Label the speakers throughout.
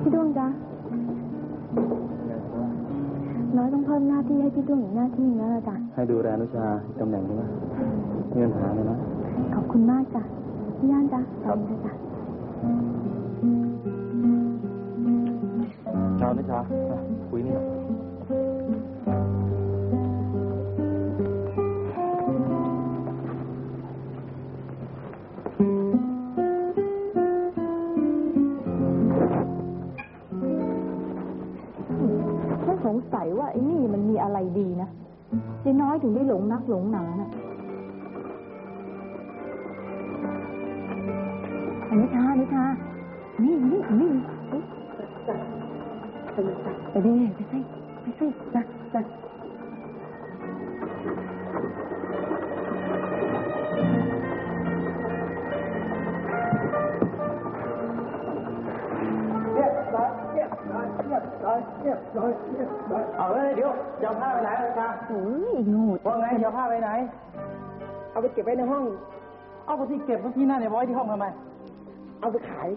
Speaker 1: พี่ด้วงจ๊ะน้อยต้องเพิ่มหน้าที่ให้พี่ด้วงอีกหน้าที่นะจ๊ะ
Speaker 2: ให้ดูแลอนุชาตำแหน่งนี้นะเงินหาเลยนะ
Speaker 1: ขอบคุณมากจ้ะพี่ย่านจ๊ะขอบคุณจ้ะ
Speaker 2: ชาวอนุชาคุยนี่
Speaker 1: สงสัยว่าไอ้นี่มันมีอะไรดีนะยายน้อยถึงได้หลงนักหลงหนาน่ะอนิชานี่ไปดิไปสิจ้ะ
Speaker 2: เอาเลยเดี๋ยวจะผ้าไปไหนอนุชา
Speaker 1: อีกโง่
Speaker 2: ว่าไงจะผ้าไปไหน
Speaker 3: เอาไปเก็บไว้ในห้อง
Speaker 2: เอาไปที่เก็บที่นั่นเนี่ยไว้ที่ห้องทำไม
Speaker 3: เอาไปขาย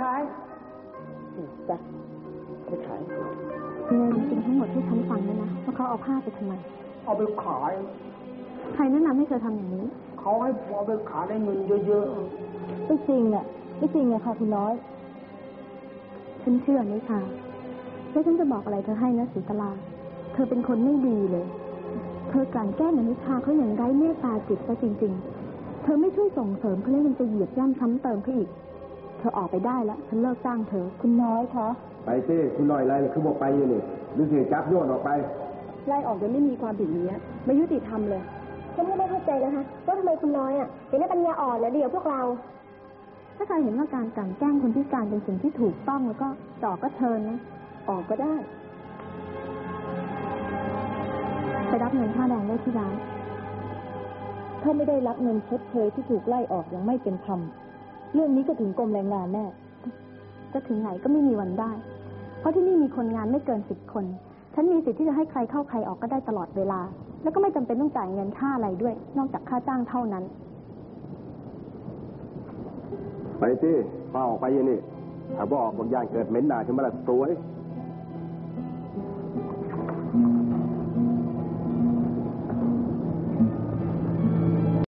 Speaker 3: จ้ะไปขาย
Speaker 1: เนี่ยจริงทั้งหมดที่ฉันฟังนะว่าเขาเอาผ้าไปทำไม
Speaker 3: เอาไปขาย
Speaker 1: ใครแนะนำให้เธอทำอย่างนี้
Speaker 3: เขาให้เอาไปขายได้เงินเยอะ
Speaker 1: ๆไม่จริงอะค่ะคุณน้อยฉันเชื่อนิชาแล้วฉันจะบอกอะไรเธอให้นะศรีตลาเธอเป็นคนไม่ดีเลยเธอกลั่นแกล้งอนิชาเขาอย่างไร้เมตตาจิตซะจริงๆเธอไม่ช่วยส่งเสริมเขาแล้วยังจะเหยียบย่ำซ้ำเติมเขาอีกเธอออกไปได้แล้วฉันเลิกจ้างเธอคุณน้อยคะ
Speaker 4: ไปสิคุณน้อยไรคือบอกไปอยู่นี่ดูสิจับโยนออกไป
Speaker 1: ไล่ออกโดยไม่มีความผิดนี้ไม่ยุติธรรมเลย
Speaker 5: ฉันไม่เข้าใจนะคะว่าทำไมคุณน้อยเป็นปัญญาอ่อนและเดี๋ยวพวกเรา
Speaker 1: ถ้าใครเห็นว่าการกลั่นแกล้งคนพิการเป็นสิ่งที่ถูกต้องแล้วก็จ่อก็เชิญนะออกก็ได้ไปรับเงินค่าแรงได้ที่ร้านถ้าไม่ได้รับเงินชดเชยที่ถูกไล่ออกยังไม่เป็นธรรมเรื่องนี้ก็ถึงกรมแรงงานแน่จะถึงไหนก็ไม่มีวันได้เพราะที่นี่มีคนงานไม่เกิน10 คนฉันมีสิทธิ์ที่จะให้ใครเข้าใครออกก็ได้ตลอดเวลาแล้วก็ไม่จำเป็นต้องจ่ายเงินค่าอะไรด้วยนอกจากค่าจ้างเท่านั้น
Speaker 4: ไปสิป้าออกไปยังนี่ถ้าบอกบางอย่างเกิดเหม็นหนาขึ้นมาละตัว